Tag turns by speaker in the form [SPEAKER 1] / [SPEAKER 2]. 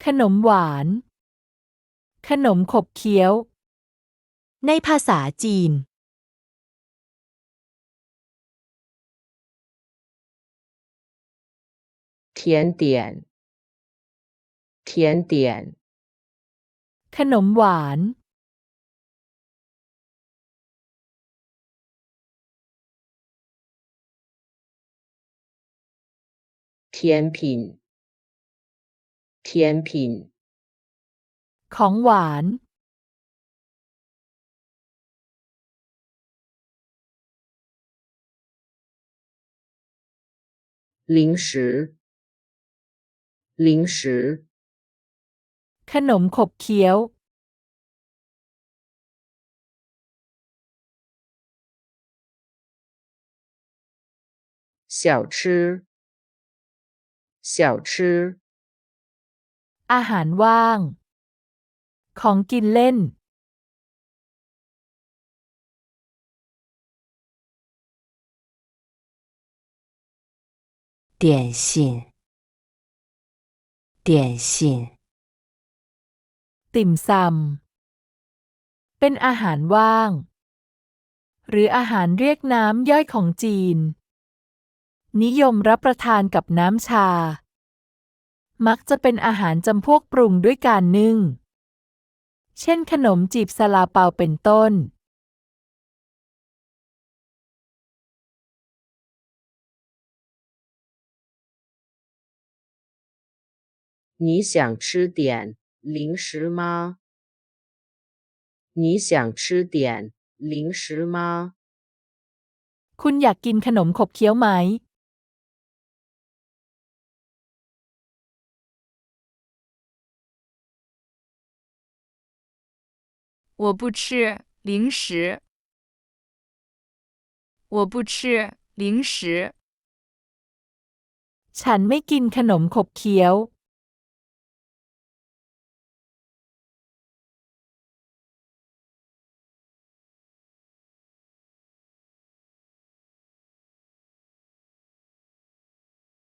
[SPEAKER 1] ขนมหวาน ขนมขบเคี้ยว ในภาษาจีน
[SPEAKER 2] 甜点甜点
[SPEAKER 1] ขนมหวาน
[SPEAKER 2] 甜品甜品
[SPEAKER 1] ของหวาน
[SPEAKER 2] 零食零食
[SPEAKER 1] ขนมขบเคี้ยว
[SPEAKER 2] 小吃小吃
[SPEAKER 1] อาหารว่าง ของกินเล่น
[SPEAKER 3] 点心点心
[SPEAKER 1] ติ่มซำ เป็นอาหารว่าง หรืออาหารเรียกน้ำย่อยของจีน นิยมรับประทานกับน้ำชา มักจะเป็นอาหารจำพวกปรุงด้วยการนึ่ง เช่นขนมจีบซาลาเปาเป็นต้น
[SPEAKER 2] 你想吃点零食吗？你想吃点零食吗？
[SPEAKER 1] คุณอยากกินขนมขบเคี้ยวไหม
[SPEAKER 4] 我不吃零食。我不吃零食。
[SPEAKER 1] ฉันไม่กินขนมขบเคี้ยว